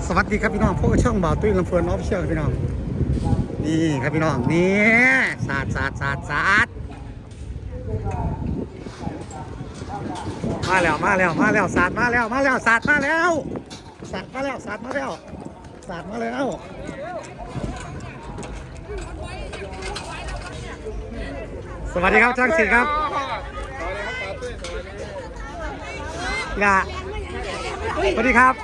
สวัสดีครับพี่น้องพวกช่องบ่าวตุ้ยลำเพลินออฟฟิเชียลพี่น้องนี่ครับพี่น้องนี่สาดมาแล้วสาดมาแล้วสวัสดีครับช่างศิลป์ครับลาสวัสดีครับ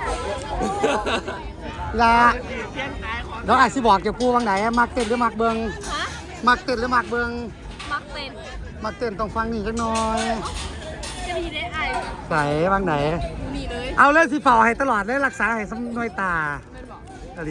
ลาเราอาจจะบอกจะพูดว่างไหนมักเต้นหรือมักเบิงมักเต้นหรือมักเบิงมักเต้นต้องฟังนี่สักหน่อยจะมีได้ไอ้ใส่บางไหนมีเลยเอาเล่นสีเฝ้าให้ตลอดเลยรักษาให้สำนวยตาอะไร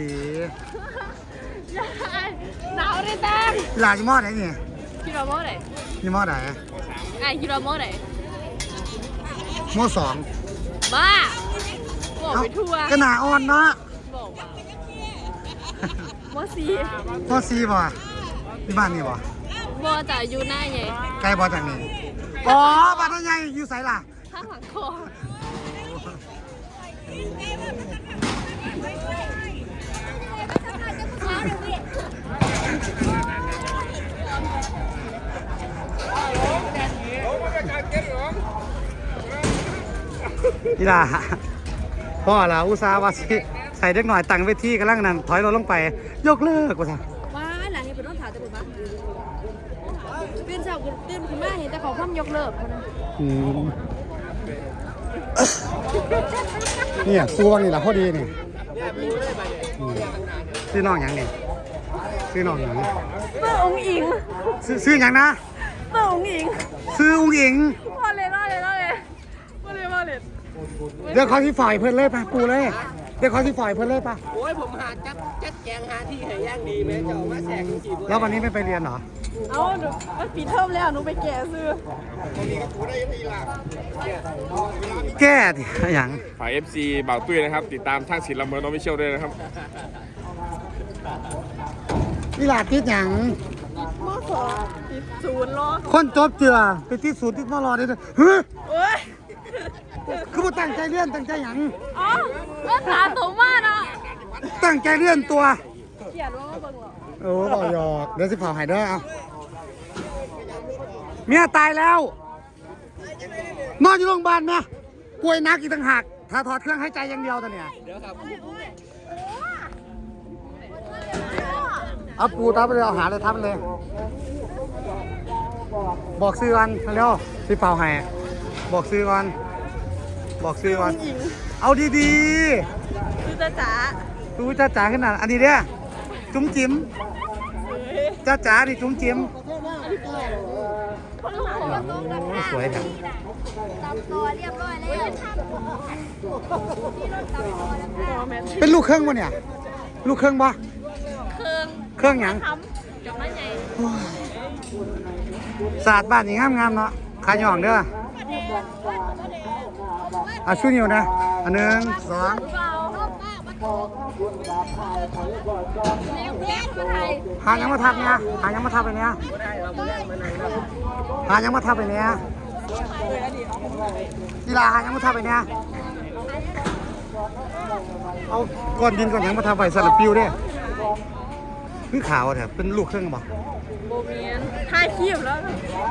หนาวเลยแต้มลาจิมอดไหนนี่คิดว่าโม่ไหนจิมอดไหนไอ้คิดว่าโม่ไหนโมสองบ้าบอกไปทั่วกระหนาอ่อนเนาะบอกว่าโม่ซีบ่ที่บ้านนี่บ่บ่จะอยู่หน้าไงใกล้บ่จากนี้อ๋อบ้านนั่นไงอยู่ไสล่ะข้างหลังคอนี่ล่ะพ่อล่ะอุตส่าห์ว่าสิใส่เด็กหน่อยตั้งเวทีกำลังนั่นถอยรถลงไปยกเลิกว่าซะว้าหลังนี้เป็นต้องถามจะเป็นบ้าตื่นเช้าตื่นขึ้นมาเห็นแต่เขาพ่อมยกเลิกเขานะเนี่ยตัวนี่ล่ะพอดีนี่ซื้อน้องหยังนี่ซื้อน้องหยังเมื่อองอิงซื้อหยังนะเมื่อองอิงซื้อองอิงว่าเลยเดี๋ยวเขาที่ฝ่ายเพิ่นเลยป่ะปูเลยเดี๋ยวเขาที่ฝ่ายเพิ่นเลยป่ะโอ้ยผมหาจัดแจงหาที่ให้ย่างดีแม่เจ้ามาแสกจีบแล้ววันนี้ไม่ไปเรียนเหรอเอาหนูมันปิดเทอมแล้วหนูไปแก่ซื้อแก้ดิอย่างฝ่าย FC บ่าวตุ้ยนะครับติดตามช่างศิลป์ลำเพลินออฟฟิเชียลด้วยนะครับนี่ลาติดอย่างม.2ติด0ล้อคนจบเจือไปติด0ติดม.รอได้ด้วยเฮ้ยโอ้ยคือบ่ตั้งใจเรียนตั้งใจหยังอ๋อก็ขาสูงมากเนาะตั้งใจเรียนตัวเขียนว่าเบิ่งหรอโอ้บ่หยอกเดี๋ยวสิเผาให้เด้อเอาเมียตายแล้วนอนอยู่โรงพยาบาลนะป่วยหนักอีกต่างหากถ้าถอดเครื่องหายใจอย่างเดียวตอนเนี้ยเดี๋ยวครับเอาปูทับไปเลยเอาหาเลยทับไปเลยบอกซื้อกันเร็วสิเผาให้บอกซื้อก่อนเอาดีๆคือจ๋าดูจ๋าขนาดอันนี้เนี่ยจุ๋มจิ๋มจ๋าดิจุ๋มจิ๋มสวยครับตำตัวเรียบร้อยแล้วเป็นลูกเครื่องวะเนี่ยลูกเครื่องปะเครื่องหยังจบมาไงศาสตร์บ้านนี่งามเนาะขายหย่องเด้อช่วยนิ้วนะอัน1 2หายังมาทับเนี่ยหายังมาทับไปเนี่ยกีฬาหายังมาทับไปเนี่ยเอาก้อนดินก้อนยังมาทับไปสลับปิวเนี่ยคือขาวเนี่ยเป็นลูกเครื่องบ่โบเมียนท่าคีบแล้ว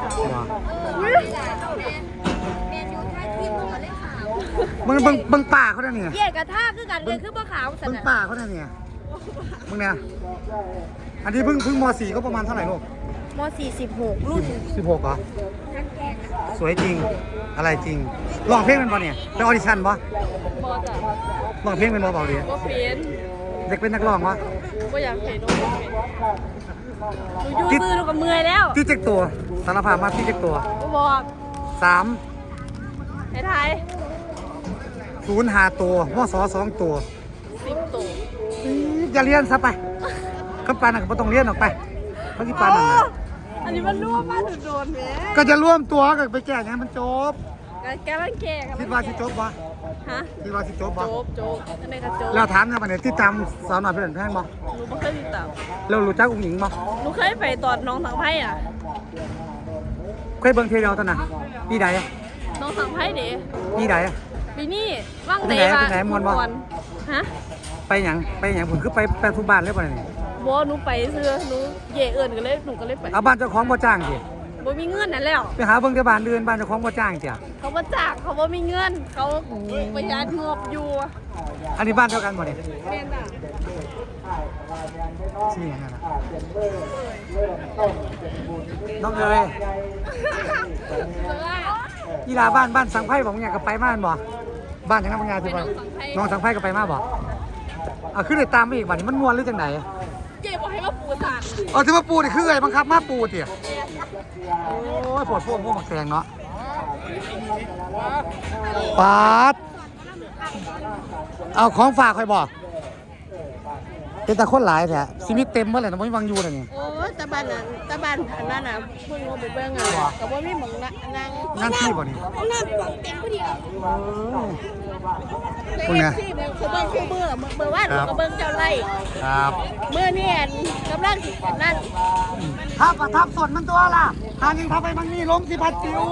มึงป่าเขาเนี่ยเยี่ยกระท่าคือกันเรียนคือบ่ขาวมึงป่าเขาเนี่ยมึงเนี่ยอันนี้เพิ่งม.4 ก็ประมาณเท่าไหร่ลูกม.4 16รุ่น 16เหรอสวยจริงอะไรจริงร้องเพลงเป็นบ่เนี่ยเป็นออดิชั่นบ่จ้ะร้องเพลงเป็นบ่เบาดีบ่เป็นเด็กเป็นนักร้องวะบ่อยากเห็นหนูอยู่ซื้อหนูก็เมื่อยแล้วที่เจ็กตัวสารภาพมาที่เจ็กตัวบอก 3 ไทย 0 5ตัวม.2 2ตัว 10ตัวอย่าเรียนซะไปเขาปานก็บ่ต้องเรียนออกไปเขาที่ปานนั่นน่ะอันนี้มันร่วมมาโดนแหมก็จะร่วมตัวกันไปแก้ให้มันจบแกมันแก่คิดว่าสิจบบ่ฮะคิดว่าสิจบบ่จบอันนี้ก็จบแล้วถามนะบัดนี้ที่จำสาวน้อยเพชรแพงบ่หนูบ่เคยติดตามแล้วรู้จักอุ้งหญิงบ่หนูเคยไปตอนน้องสังไพ่อ่ะเคยเบิ่งเทเดียวตอนน่ะปีใดน้องสังไพ่เด้ปีใดปีนี้ว่างไหนมวนบ่ฮะไปหยังผมคือไปทุกบ้านเลยป่ะนี่บ่หนูไปซื้อหนูเย่เอิ้นก็เลยหนูก็เลยไปเอาบ้านเจ้าของบ่จ้างสิบ่มีเงินนั่นแล้วไปหาเบิ่งแต่บ้านอื่นบ้านเจ้าของบ่จ้างจ้ะเขาบ่จ้างเขาบ่มีเงินเขาประหยัดงบอยู่อันนี้บ้านเดียวกันบ่เนี่ยแม่นน่ะชื่อหยังไงล่ะน้องเอ๋ยกีฬาบ้านสังไพ่บอกเนี่ยก็ไปมาบ่บ้านจังนั้นบางงานสิบ่น้องสังไพ่ก็ไปมาบ่เอาขึ้นเลยตามไปอีกบ่นี่มันม่วนหรือจังไดเย่บ่ให้มาปูสานเอาที่มาปูนี่คือไงบังคับมาปูติโอ้ยปวดพวกพวกหมักแตงเนาะปาดเอาของฝากใครบอกเป็นตาคนหลายแท้ชีวิตเต็มเมื่อไหร่นะไม่วังอยู่เลยนี่โอ้ยตะบ้านอันนั้นน่ะเพิ่นบ่ไปเบิ่งอ่ะก็บ่มีหม่องนั่งงานที่บ่นี่น้ำปองเต็มพอดีอ่ะพวกเนี้ยที่เบิ่งคือเบิ่งคือเบิ่งว่าหนูก็เบิ่งเจ้าไร่ครับมื้อนี้กำลังสิอันนั้นทับส่วนมันตัวล่ะทางยิงทับไปบางนี่ล้มสิพัดจิ๋ว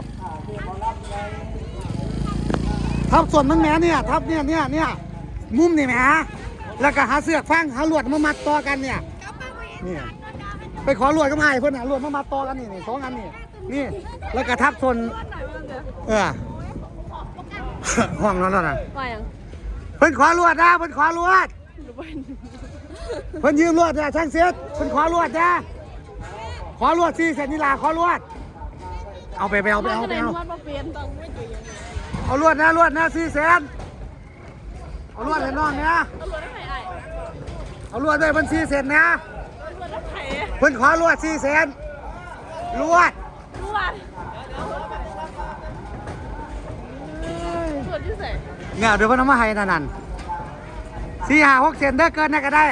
ทับส่วนมันแหมเนี่ยทับเนี่ยมุมนี่แหมแล้วก็หาเสือกฟังหาลวดมามัดต่อกันเนี่ยนี่ไปขอลวดก็มาให้เพิ่นหาลวดมามัดต่อกันนี่สองอันนี่แล้วก็ทับส่วนห้องนั้นน่ะว่าหยังเพิ่นขอลวดนะเพิ่นขอลวดเพิ่นยืมลวดเนี่ยช่างเสียดเพิ่นขอลวดนะขอลวด4 เซนนี่ล่ะขอลวดเอาไปเอาว่าบ่เปลี่ยนต้องไม่อยู่อย่างนั้นเอาลวดนะ4 เซนเอาลวดให้น้องเนี่ยตำรวจให้ไอ้เอาลวดด้วยเพิ่น4 เซนนะตำรวจให้เพิ่นขอลวด4 เซนลวดตำรวจที่ไหนเนี่ยเดี๋ยวเพิ่นเอามาให้นั่น4 5 6 เซนเด้อเกินน่ะก็ได้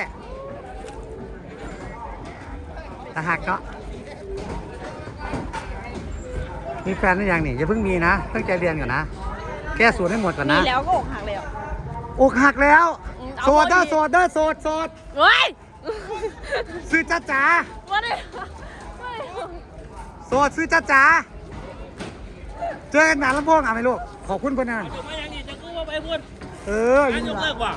ตะหักเนาะมีแฟนหรือยังนี่อย่าเพิ่งมีนะตั้งใจเรียนก่อนนะแก้สูตรให้หมดก่อนมีนะแล้วก็อกหักแล้วอกหักแล้วเอาโสดเด้อพอดีโสดเด้อโสดเฮ้ยซื้อจ้าจ๋าว่าได้โสดซื้อจ้าจ๋าเจอกันหนาลำโพงอ่ะไหมลูกขอบคุณเพื่อนนะมาอย่างนี้จะกู้ว่าไปพูดอยู่ยนี่กละเลิกว่ะ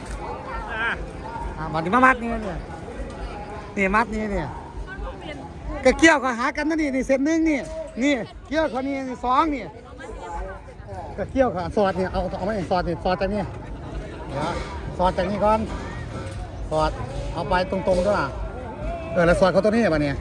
มาถึงมามัดนี่เนี่ยนี่มัดนี่เนี่ยก็เกี่ยวก็หากันนะนี่เส้นหนึ่งนี่เกี่ยวเขานี่สองนี่ก็เกี่ยวกับสอดเนี่ยเอาไม่สอดนี่สอดจากนี่เดี๋ยวสอดจากนี่ก่อนสอดเอาไปตรงๆด้วยแล้วสอดเขาตัวนี้ป่ะเนี่ย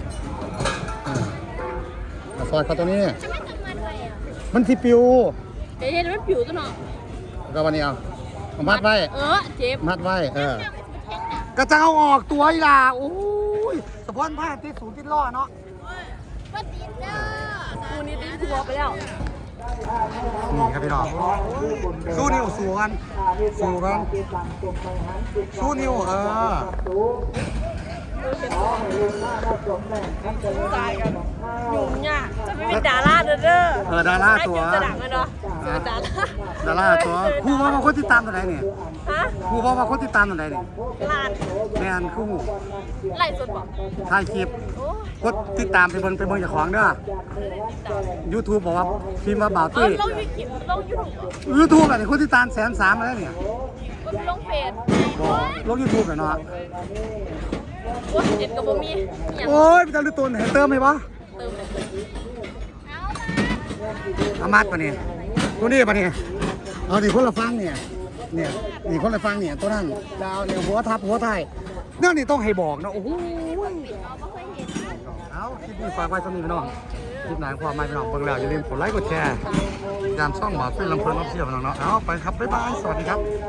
สอดเขาตัวนี้มันที่ปิวเดี๋ยวเห็นมันผิวตัวเนาะก็วันนี้เอามัดไว้เจ็บมัดไว้ก็จะเอาออกตัวอีล่ะโอ้ยสะพอนผ้าติดสูงติดล้อเนาะกูนี่ตีทัวไปแล้วนี่ครับพี่น้องสู้นิ้วสู้กันสู้นิ้วตายกันยุ่งยากจะไม่เป็นดาราเด้อดาราตัวจะดังเลยเนาะเจอดาราตัวครูว่าคนติดตามตัวไหนเนี่ยฮะครูว่าคนติดตามตัวไหนเนี่ยลานแมนครูไล่สดบอกถ่ายคลิปโอ้กดติดตามไปเบิ่งเจ้าของเด้อ YouTube บอกว่าพิมพ์มาบ่าวลตุ้ยงยูทูบ YouTube อะไรคนติดตาม130,000แล้วเนี่ยลงเฟซลง YouTube หน่อยเนาะว่าเจ็ดกับบ่มีอย่างโอ้ยพี่ตาลุตุนเห็นเติมไหมวะเติมเลยอามัดปะเนี่ยตัวนี้ปะเนี่ยเอาดิคนละฟังเนี่ยนี่คนละฟังเนี่ยตัวนั้นดาวเนี่ยหัวทับหัวไทยเนี่ยนี่ต้องให้บอกนะโอ้โหเอาคลิปนี้ฝากไว้สำหรับพี่น้องคลิปไหนความหมายพี่น้องเบิ่งแล้วอย่าลืมกดไลค์กดแชร์ตามช่องหมอตุ้ยลำเพลินออฟฟิเชียลพี่น้องเนาะเอาไปครับบ๊ายบายสวัสดีครับ